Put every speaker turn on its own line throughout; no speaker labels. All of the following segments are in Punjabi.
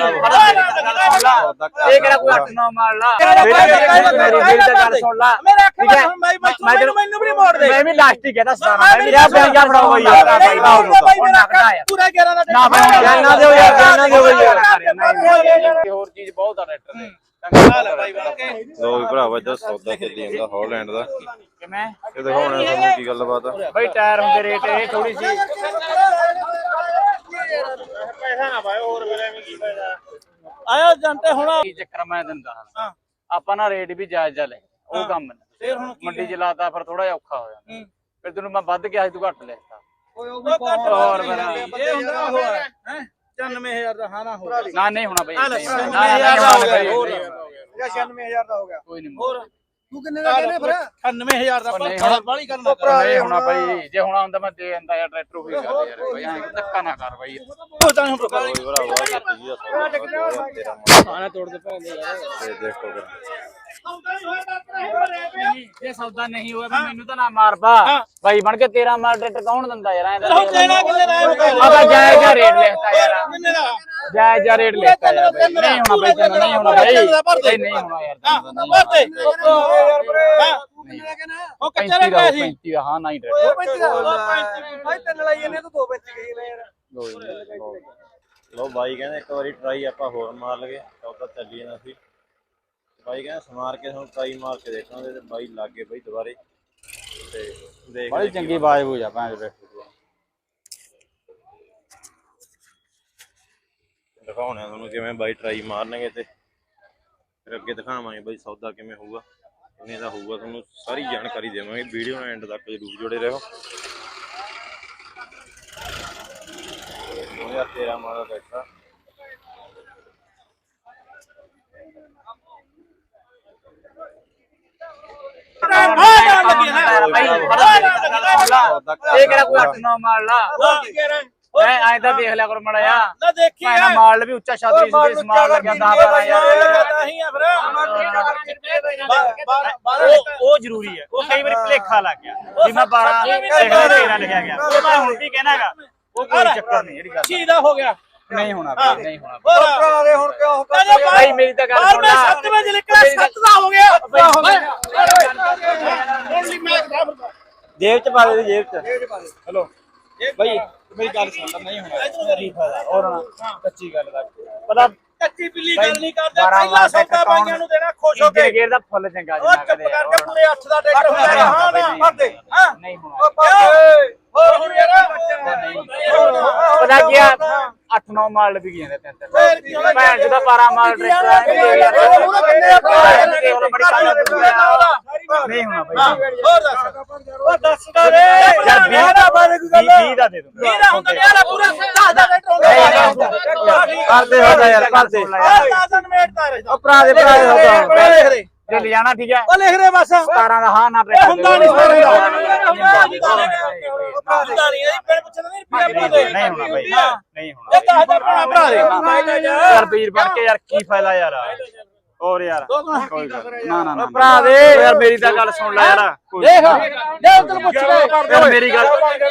ਇਹ ਕਿਹੜਾ ਕੋਈ 8-9 ਮਾਰ ਲਾ ਮੇਰੀ ਗੱਲ ਸੁਣ ਲਾ ਮੈਨੂੰ ਵੀ ਮੋੜ ਦੇ ਮੈਂ ਵੀ ਲਾਸਟ ਹੀ ਕਹਿੰਦਾ ਸਤਾਰਾ ਮੇਰਾ ਬੈਂਗਾ ਫੜਾਓ ਬਈ ਯਾਰ ਪੂਰਾ 11 ਦਾ ਨਾ ਜਾਨਾ ਦਿਓ ਯਾਰ ਜਾਨਾ ਦਿਓ ਬਈ ਯਾਰ ਹੋਰ ਚੀਜ਼ ਬਹੁਤ ਆ ਟਰੈਕਟਰ ਦੇ
ਲੋ ਵੀ ਭਰਾਵਾ ਜੋ ਸੌਦਾ ਚੱਲੀ ਜਾਂਦਾ ਹਾਲੈਂਡ ਦਾ
ਕਿਵੇਂ
ਇਹ ਦਿਖਾਉਣਾ ਤੁਹਾਨੂੰ ਕੀ ਗੱਲਬਾਤ ਆ
ਬਈ ਟਾਇਰ ਹੁੰਦੇ ਰੇਟ ਇਹ ਥੋੜੀ ਸੀ
ਪੈਸਾ ਨਾ ਪਾਇਓ ਹੋਰ ਫਿਰ ਐਵੇਂ ਕੀ ਫਾਇਦਾ ਆਇਆ ਜੰਟੇ ਹੁਣ
ਕੀ ਚੱਕਰ ਮੈਂ ਦਿੰਦਾ ਹਾਂ ਆਪਾਂ ਨਾ ਰੇਟ ਵੀ ਜਾਇਜ਼ ਲੈ ਉਹ ਕੰਮ
ਫੇਰ ਹੁਣ
ਮੰਡੀ ਚ ਲਾਤਾ ਫਿਰ ਥੋੜਾ ਜਿਹਾ ਔਖਾ ਹੋ ਜਾਂਦਾ ਫਿਰ ਤੈਨੂੰ ਮੈਂ ਵੱਧ ਕਿਹਾ ਸੀ ਤੂੰ ਘੱਟ ਲੈਤਾ
ਹੋਰ ਇਹ ਹੁੰਦਾ ਉਹ ਹੈ 99000 ਦਾ ਹਾਂ ਨਾ ਹੋ
ਨਾ ਨਹੀਂ ਹੋਣਾ ਬਈ
99000 ਦਾ ਹੋ ਗਿਆ
96000 ਦਾ ਹੋ ਗਿਆ
ਕੋਈ ਨਹੀਂ
ਹੋਰ
ਤੂੰ ਕਿੰਨੇ ਦਾ ਕਹਿੰਦੇ ਫਿਰ
98000 ਦਾ ਪਰ ਬਾਲੀ ਕਰਨਾ
ਨਹੀਂ ਹੋਣਾ ਬਈ ਜੇ ਹੋਣਾ ਹੁੰਦਾ ਮੈਂ ਦੇ ਦਿੰਦਾ ਯਾਰ ਟਰੈਕਟਰ ਹੋਈ ਗੱਲ ਯਾਰ ਬਈ ਐਂ ਧੱਕਾ ਨਾ ਕਰ ਬਈ
ਉਹ ਤਾਂ ਹੁਣ
ਲੋ ਵੀ ਭਰਾਵਾ
ਖਾਣਾ ਤੋੜ ਦੇ ਭਾਵੇਂ ਯਾਰ
ਤੇ ਦੇਖੋ ਫਿਰ
ਜੇ ਸੌਦਾ ਨਹੀਂ ਹੋਇਆ ਫਿਰ ਮੈਨੂੰ ਤਾਂ ਨਾ ਮਾਰਦਾ ਬਾਈ ਬਣ ਕੇ 13 ਮਾਰ ਟਰੈਕਟਰ ਕੌਣ ਦਿੰਦਾ ਯਾਰ ਐਂ
ਉਹ ਕਹਿਣਾ ਕਿੰਨੇ ਦਾ
ਆਗਾ ਜਾਇਜ਼ ਜਿਹਾ ਰੇਟ ਲਿਖਤਾ ਯਾਰ
ਕਿੰਨੇ ਦਾ
ਜਾਇਜ਼ ਜਿਹਾ ਰੇਟ ਲਿਖਤਾ ਯਾਰ ਬਈ ਨਹੀਂ ਹੋਣਾ ਬਈ ਤੈਨੂੰ ਨਹੀਂ ਹੋਣਾ ਬਈ ਨਹੀਂ ਹੋਣਾ ਯਾਰ
ਭਰਤੇ ਉਹ ਕੱਚਾ
35 ਦਾ
ਰਹਿ ਸੀ
35 ਦਾ ਹਾਂ ਨਹੀਂ ਟਰੈਕਟਰ
ਭਾਈ ਤਿੰਨ ਲਾਈ ਇਹਨੇ ਤੂੰ 2 ਵਿੱਚ ਗਈ ਮੈਂ ਯਾਰ
ਲੋ ਬਾਈ ਕਹਿੰਦੇ ਇੱਕ ਵਾਰੀ ਟਰਾਈ ਆਪਾਂ ਹੋਰ ਮਾਰ ਲਗੇ ਸੌਦਾ ਚੱਲੀ ਜਾਂਦਾ ਸੀ ਬਾਈ ਕਹਿੰਦਾ ਸਮਾਰ ਕੇ ਤੁਹਾਨੂੰ ਟਰਾਈ ਮਾਰ ਕੇ ਦੇਖਾਂਗੇ ਤੇ ਬਾਈ ਲੱਗੇ ਬਈ ਦੁਬਾਰੇ ਤੇ ਦੇਖ
ਬੜੀ ਚੰਗੀ ਬਾਜ ਹੋ ਜਾ ਭਾਂ
ਦਿਖਾਉਣੇ ਤੁਹਾਨੂੰ ਕਿਵੇਂ ਬਾਈ ਟਰਾਈ ਮਾਰਨਗੇ ਤੇ ਫਿਰ ਅੱਗੇ ਦਿਖਾਵਾਂਗੇ ਬਾਈ ਸੌਦਾ ਕਿਵੇਂ ਹੋਊਗਾ ਕਿੰਨੇ ਦਾ ਹੋਊਗਾ ਤੁਹਾਨੂੰ ਸਾਰੀ ਜਾਣਕਾਰੀ ਦੇਵਾਂਗੇ ਵੀਡੀਓ ਨਾਲ ਐਂਡ ਤੱਕ ਜ਼ਰੂਰ ਜੁੜੇ ਰਹੋ 2013 ਮਾਡਲ ਟਰੈਕਟਰ
ਇਹ ਕਿਹੜਾ ਕੋਈ 8-9 ਮਾਰ ਲਾ ਮੈਂ ਐਂ ਤਾਂ ਦੇਖ ਲਿਆ ਕਰ ਮੜਾ ਜਾ
ਨਾ ਦੇਖੀ
ਮੈਂ ਮਾਲ ਵੀ ਉੱਚਾ ਛਾਤਰੀ ਸੀ ਸਮਾਨ ਲੱਗਿਆ 10-12 ਯਾਰ
ਨਹੀਂ ਆ ਫਿਰ
ਉਹ ਜ਼ਰੂਰੀ ਹੈ ਉਹ ਕਈ ਵਾਰੀ ਭੁਲੇਖਾ ਲੱਗ ਗਿਆ ਵੀ ਮੈਂ 12 13 ਲਿਖਿਆ ਗਿਆ ਉਹ ਮੈਂ ਹੁਣ ਵੀ ਕਹਿਣਾਗਾ ਉਹ ਕੋਈ ਚੱਕਰ ਨਹੀਂ ਜਿਹੜੀ ਗੱਲ
ਸ਼ੀਦਾ ਹੋ ਗਿਆ
ਨਹੀਂ ਹੋਣਾ ਬਈ ਨਹੀਂ ਹੋਣਾ
ਭਰਾ ਦੇ ਹੁਣ ਕਿਉਂ
ਭਾਈ ਮੇਰੀ ਤਾਂ ਗੱਲ ਸੁਣ ਲੈ
7 ਵਜੇ ਨਿਕਲਿਆ 7 ਦਾ ਹੋ ਗਿਆ
ਜੇਬ ਚ ਪਾ ਦੇ ਜੇਬ ਚ ਹਲੋ ਭਾਈ ਮੇਰੀ ਗੱਲ ਸੁਣ ਲੈ ਨਹੀਂ ਹੋਣਾ ਨਹੀਂ ਫਾਇਦਾ ਹੋਰ ਨਾ ਕੱਚੀ ਗੱਲ ਦਾ ਪਤਾ
ਕੱਚੀ ਬਿੱਲੀ ਗੱਲ ਨਹੀਂ ਕਰਦੇ ਪਹਿਲਾਂ ਸੌਦਾ ਬਾਈਆਂ ਨੂੰ ਦੇਣਾ ਖੁਸ਼ ਹੋ ਕੇ
ਗੇਰ ਦਾ ਫੁੱਲ ਚੰਗਾ
ਉਹ ਚੁੱਪ ਕਰਕੇ ਪੂਰੇ 8 ਦਾ ਟਰੈਕਟਰ ਹੁੰਦਾ ਹਾਂ ਨਾ ਭਰਦੇ ਹਾਂ
ਨਹੀਂ ਹੋਣਾ
ਹੋਰ ਹੁਣ ਯਾਰ
ਪਤਾ ਕੀ ਆ 8-9 ਮਾਲ ਲੱਗ ਗਏ ਨੇ ਤਿੰਨ ਭੈਣ ਜਿਹਦਾ 12 ਮਾਲ ਟਰੈਕਟਰ ਨਹੀਂ ਹੋਣਾ ਭਾਈ
ਹੋਰ ਦੱਸ ਉਹ ਦੱਸ ਰੇ
ਯਾਰ 20 ਦਾ ਦੇ ਦੂੰ
20 ਦਾ ਹੁੰਦਾ ਯਾਰ ਪੂਰਾ 10 ਦਾ ਟਰੈਕਟਰ ਹੁੰਦਾ
ਕਰਦੇ ਹੋਦਾ ਯਾਰ ਕਰਦੇ
10 ਮਿੰਟ ਦਾ ਰਹਿਦਾ
ਭਰਾ ਦੇ
ਲਿਖ ਦੇ
ਜੇ ਲੈ ਜਾਣਾ ਠੀਕ ਹੈ
ਉਹ ਲਿਖ ਦੇ ਬਸ
17 ਦਾ ਹਾਂ ਨਾ ਟਰੈਕਟਰ
ਹੁੰਦਾ ਨਹੀਂ ਹੁੰਦਾ ਨਹੀਂ ਇਹ ਪਿੰਡ ਪੁੱਛਦਾ ਨਹੀਂ ਰੁਪਿਆ ਦੇ
ਨਹੀਂ ਹੋਣਾ ਭਾਈ ਨਹੀਂ ਹੋਣਾ
ਇਹ 10 ਦਾ ਭਰਾ ਦੇ
ਯਾਰ ਵੀਰ ਬਣ ਕੇ ਯਾਰ ਕੀ ਫਾਇਦਾ ਯਾਰ ਹੋਰ ਯਾਰ ਕੋਈ ਗੱਲ ਨਾ ਭਰਾ ਦੇ ਯਾਰ ਮੇਰੀ ਤਾਂ ਗੱਲ ਸੁਣ ਲੈ ਯਾਰ
ਦੇਖ ਜੇ ਤੈਨੂੰ ਪੁੱਛ
ਯਾਰ ਮੇਰੀ ਗੱਲ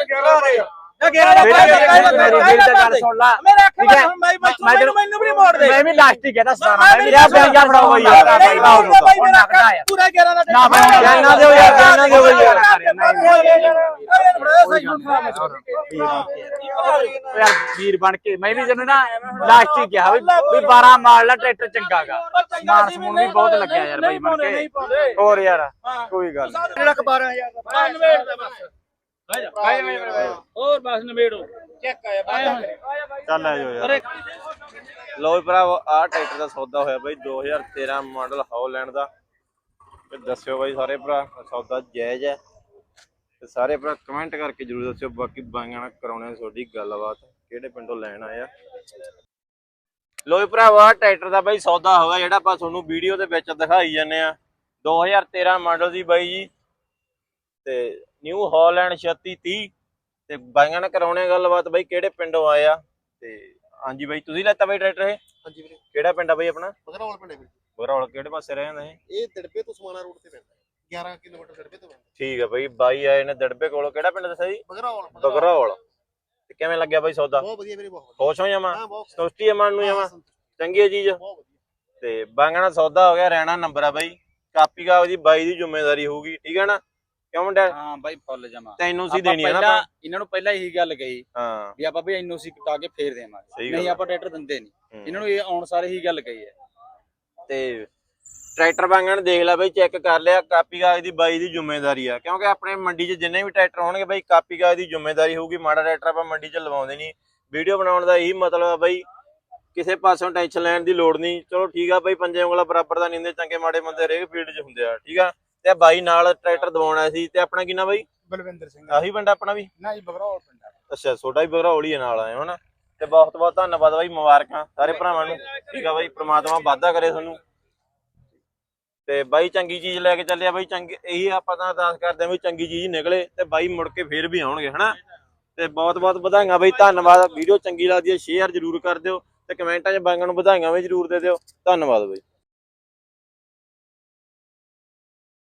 ਮੇਰੀ ਤਾਂ ਗੱਲ ਸੁਣ ਲੈ ਠੀਕ ਹੈ
ਮੈਨੂੰ ਵੀ ਮੋੜ ਦੇ
ਮੈਂ ਵੀ ਲਾਸਟ ਹੀ ਕਹਿੰਦਾ ਸਤਾਰਾ ਮੇਰਾ ਬੈਂਗਾ ਫੜਾਓ ਬਈ ਯਾਰ
ਪੂਰਾ 11 ਦਾ
ਨਾ ਜਾਨਾ ਦਿਓ ਯਾਰ ਜਾਨਾ ਦਿਓ ਬਈ ਯਾਰ ਯਾਰ ਵੀਰ ਬਣ ਕੇ ਮੈਂ ਵੀ ਜਨ ਨਾ ਲਾਸਟ ਹੀ ਕਿਹਾ ਵੀ 12 ਮਾਰ ਲਾ ਟਰੈਕਟਰ ਚੰਗਾਗਾ ਸਮਾਨ ਸਮੂਨ ਵੀ ਬਹੁਤ ਲੱਗਿਆ ਯਾਰ ਬਈ ਬਣ ਕੇ ਹੋਰ ਯਾਰ ਕੋਈ ਗੱਲ
ਜਿਹੜਾ 12000 ਦਾ ਬਸ ਹੋਰ ਬਸ ਨਵੇੜੋ ਚੈੱਕ ਆਇਆ
ਚੱਲ ਆ ਜਾਓ ਯਾਰ ਲੋ ਭਰਾਵਾ ਆਹ ਟਰੈਕਟਰ ਦਾ ਸੌਦਾ ਹੋਇਆ ਬਾਈ 2013 ਮਾਡਲ ਹਾਲੈਂਡ ਦਾ ਤੇ ਦੱਸਿਓ ਬਾਈ ਸਾਰੇ ਭਰਾ ਸੌਦਾ ਜਾਇਜ਼ ਹੈ ਤੇ ਸਾਰੇ ਭਰਾ ਕਮੈਂਟ ਕਰਕੇ ਜਰੂਰ ਦੱਸਿਓ ਬਾਕੀ ਬਾਈਆਂ ਨਾਲ ਕਰਾਉਣੇ ਤੁਹਾਡੀ ਗੱਲਬਾਤ ਕਿਹੜੇ ਪਿੰਡੋਂ ਲੈਣ ਆਇਆ ਲੋ ਭਰਾਵਾ ਟਰੈਕਟਰ ਦਾ ਬਾਈ ਸੌਦਾ ਹੋਇਆ ਜਿਹੜਾ ਆਪਾਂ ਤੁਹਾਨੂੰ ਵੀਡੀਓ ਦੇ ਵਿੱਚ ਦਿਖਾਈ ਜਾਂਦੇ ਆ 2013 ਮਾਡਲ ਦੀ ਬਾਈ ਜੀ ਤੇ ਨਿਊ ਹਾਲੈਂਡ 3630 ਤੇ ਬਾਈਆਂ ਨਾਲ ਕਰਾਉਣੇ ਗੱਲਬਾਤ ਬਾਈ ਕਿਹੜੇ ਪਿੰਡੋਂ ਆਏ ਆ ਤੇ ਹਾਂਜੀ ਬਾਈ ਤੁਸੀਂ ਲੈਤਾ ਬਾਈ ਟਰੈਕਟਰ ਇਹ
ਹਾਂਜੀ ਵੀਰੇ
ਕਿਹੜਾ ਪਿੰਡ ਆ ਬਾਈ ਆਪਣਾ
ਬਗਰਾਵਲ ਪਿੰਡ ਵੀਰੇ
ਬਗਰਾਵਲ ਕਿਹੜੇ ਪਾਸੇ ਰਹਿੰਦਾ
ਇਹ ਦੜਬੇ ਤੋਂ ਸਮਾਣਾ ਰੋਡ ਤੇ ਪੈਂਦਾ 11 ਕਿਲੋਮੀਟਰ ਦੜਬੇ ਤੋਂ ਪੈਂਦਾ
ਠੀਕ ਆ ਬਾਈ ਬਾਈ ਆਏ ਨੇ ਦੜਬੇ ਕੋਲੋਂ ਕਿਹੜਾ ਪਿੰਡ ਦੱਸਿਆ ਜੀ
ਬਗਰਾਵਲ
ਬਗਰਾਵਲ ਤੇ ਕਿਵੇਂ ਲੱਗਿਆ ਬਾਈ ਸੌਦਾ
ਬਹੁਤ ਵਧੀਆ ਵੀਰੇ ਬਹੁਤ
ਖੁਸ਼ ਹੋ ਜਾਵਾਂ
ਹਾਂ ਬਹੁਤ
ਸੰਤੁਸ਼ਟੀ ਆ ਮਨ ਨੂੰ ਜਾਵਾਂ ਚੰਗੀ ਹੈ ਚੀਜ਼ ਤੇ ਬਾਂਗਣਾ ਸੌਦਾ ਹੋ ਗਿਆ ਰਹਿਣਾ ਨੰਬਰ ਆ ਬਾਈ ਕਾਪੀ ਕਾਗਜ਼ ਦੀ ਬਾਈ ਦੀ ਜ਼ਿੰਮੇਵਾਰੀ ਹੋਊਗੀ ਠੀਕ ਹੈ ਨਾ ਕਿਉਂ ਮੁੰਡਾ
ਹਾਂ ਬਾਈ ਫੁੱਲ ਜਮਾ
ਤੈਨੂੰ ਸੀ ਦੇਣੀ ਹੈ ਨਾ
ਪਹਿਲਾਂ ਇਹਨਾਂ ਨੂੰ ਪਹਿਲਾਂ ਇਹੀ ਗੱਲ ਕਹੀ
ਹਾਂ
ਵੀ ਆਪਾਂ ਬਈ ਐਨਓਸੀ ਕਟਾ ਕੇ ਫੇਰ ਦੇਵਾਂਗੇ
ਸਹੀ
ਨਹੀਂ
ਗੱਲ
ਆਪਾਂ ਟਰੈਕਟਰ ਦਿੰਦੇ ਨਹੀਂ ਇਹਨਾਂ ਨੂੰ ਇਹ ਆਉਣ ਸਾਰੇ ਹੀ ਗੱਲ ਕਹੀ ਹੈ
ਤੇ ਟਰੈਕਟਰ ਬਾਂਗਣ ਦੇਖ ਲੈ ਬਈ ਚੈੱਕ ਕਰ ਲਿਆ ਕਾਪੀ ਕਾਗਜ਼ ਦੀ ਬਾਈ ਦੀ ਜ਼ਿੰਮੇਵਾਰੀ ਆ ਕਿਉਂਕਿ ਆਪਣੇ ਮੰਡੀ 'ਚ ਜਿੰਨੇ ਵੀ ਟਰੈਕਟਰ ਹੋਣਗੇ ਬਈ ਕਾਪੀ ਕਾਗਜ਼ ਦੀ ਜ਼ਿੰਮੇਵਾਰੀ ਹੋਊਗੀ ਮਾੜਾ ਟਰੈਕਟਰ ਆਪਾਂ ਮੰਡੀ 'ਚ ਲਵਾਉਂਦੇ ਨਹੀਂ ਵੀਡੀਓ ਬਣਾਉਣ ਦਾ ਇਹੀ ਮਤਲਬ ਆ ਬਈ ਕਿਸੇ ਪਾਸੋਂ ਟੈਨਸ਼ਨ ਲੈਣ ਦੀ ਲੋੜ ਨਹੀਂ ਚਲੋ ਠੀਕ ਆ ਬਈ ਪੰਜੇ ਉਂਗਲਾਂ ਬਰਾਬਰ ਦਾ ਨਹੀਂ ਹੁੰਦੇ ਚੰਗੇ ਮਾੜੇ ਬੰਦੇ ਹਰੇਕ ਫੀਲਡ 'ਚ ਹੁੰਦੇ ਆ ਠੀਕ ਆ ਤੇ ਬਾਈ ਨਾਲ ਟਰੈਕਟਰ ਦਵਾਉਣਾ ਸੀ ਤੇ ਆਪਣਾ ਕਿੰਨਾ ਬਈ
ਬਲਵਿੰਦਰ ਸਿੰਘ
ਆਹੀ ਪਿੰਡ ਆਪਣਾ ਵੀ
ਨਾ ਜੀ ਬਗਰੌਲ ਪਿੰਡ
ਅੱਛਾ ਛੋਟਾ ਹੀ ਬਗਰੌਲ ਹੀ ਨਾਲ ਆਏ ਹੋ ਨਾ ਤੇ ਬਹੁਤ ਬਹੁਤ ਧੰਨਵਾਦ ਬਾਈ ਮੁਬਾਰਕਾਂ ਸਾਰੇ ਭਰਾਵਾਂ ਨੂੰ ਠੀਕ ਆ ਬਾਈ ਪ੍ਰਮਾਤਮਾ ਵਾਧਾ ਕਰੇ ਤੁਹਾਨੂੰ ਤੇ ਬਾਈ ਚੰਗੀ ਚੀਜ਼ ਲੈ ਕੇ ਚੱਲਿਆ ਬਾਈ ਚੰਗੀ ਇਹੀ ਆਪਾਂ ਤਾਂ ਅਰਦਾਸ ਕਰਦੇ ਆ ਵੀ ਚੰਗੀ ਚੀਜ਼ ਨਿਕਲੇ ਤੇ ਬਾਈ ਮੁੜ ਕੇ ਫੇਰ ਵੀ ਆਉਣਗੇ ਹਨਾ ਤੇ ਬਹੁਤ ਬਹੁਤ ਵਧਾਈਆਂ ਬਾਈ ਧੰਨਵਾਦ ਵੀਡੀਓ ਚੰਗੀ ਲੱਗਦੀ ਹੈ ਸ਼ੇਅਰ ਜ਼ਰੂਰ ਕਰ ਦਿਓ ਤੇ ਕਮੈਂਟਾਂ 'ਚ ਬਾਈਆਂ ਨੂੰ ਵਧਾਈਆਂ ਵੀ ਜ਼ਰੂਰ ਦੇ ਦਿਓ ਧੰਨਵਾਦ ਬਾਈ